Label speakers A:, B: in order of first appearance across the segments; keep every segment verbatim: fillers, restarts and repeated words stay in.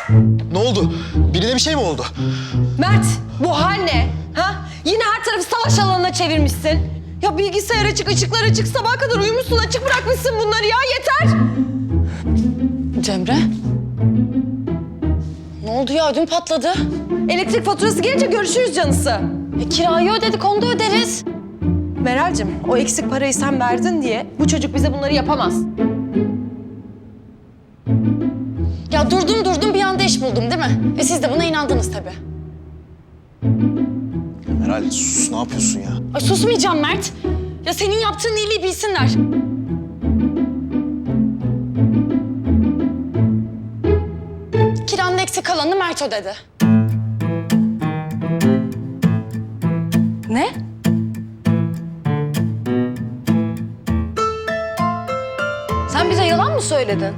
A: Ne oldu? Birine bir şey mi oldu?
B: Mert, bu hal ne? Ha? Yine her tarafı savaş alanına çevirmişsin. Ya bilgisayar açık, ışıklar açık, sabaha kadar uyumuşsun, açık bırakmışsın bunları ya, yeter!
C: Cemre? Ne oldu ya? Ödüm patladı.
B: Elektrik faturası gelince görüşürüz canısı.
C: E, kirayı ödedik, onu da öderiz.
B: Meral'cim, o eksik parayı sen verdin diye bu çocuk bize bunları yapamaz.
C: Ya durdum durdum bir anda iş buldum değil mi? E siz de buna inandınız tabii.
A: Meral sus, ne yapıyorsun ya?
C: Ay susmayacağım Mert. Ya senin yaptığın iyiliği bilsinler. Kiranın eksik kalanını Mert ödedi.
B: Ne? Sen bize yalan mı söyledin?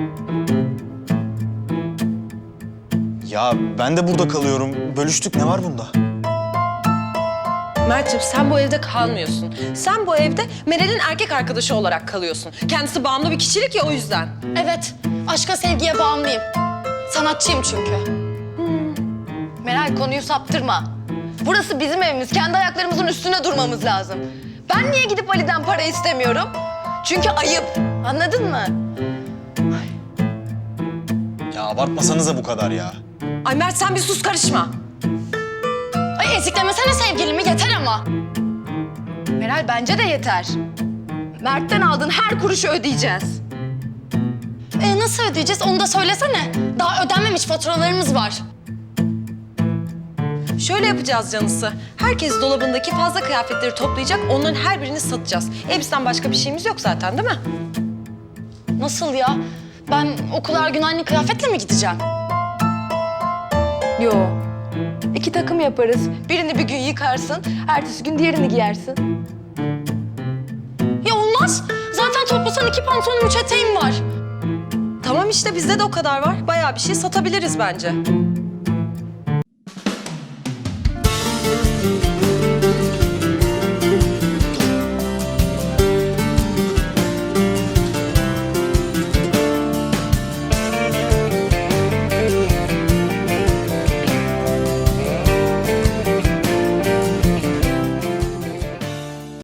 A: Ya ben de burada kalıyorum. Bölüştük, ne var bunda?
B: Mert'ciğim sen bu evde kalmıyorsun. Sen bu evde Meral'in erkek arkadaşı olarak kalıyorsun. Kendisi bağımlı bir kişilik ya, o yüzden.
C: Evet, aşka sevgiye bağımlıyım. Sanatçıyım çünkü.
D: Meral, konuyu saptırma. Burası bizim evimiz. Kendi ayaklarımızın üstüne durmamız lazım. Ben niye gidip Ali'den para istemiyorum? Çünkü ayıp. Anladın mı?
A: Ya abartmasanıza bu kadar ya.
B: Ay Mert sen bir sus, karışma.
C: Ay eziklemesene sevgilimi, yeter ama.
D: Meral, bence de yeter. Mert'ten aldığın her kuruşu ödeyeceğiz.
C: E nasıl ödeyeceğiz onu da söylesene. Daha ödenmemiş faturalarımız var.
B: Şöyle yapacağız canısı. Herkes dolabındaki fazla kıyafetleri toplayacak, onların her birini satacağız. Elbisten başka bir şeyimiz yok zaten, değil mi?
C: Nasıl ya? Ben okula her gün aynı kıyafetle mi gideceğim?
D: Yo. İki takım yaparız. Birini bir gün yıkarsın, ertesi gün diğerini giyersin.
C: Ya olmaz. Zaten toplasan iki pantolonum, üç eteğim var.
B: Tamam işte, bizde de o kadar var. Bayağı bir şey satabiliriz bence.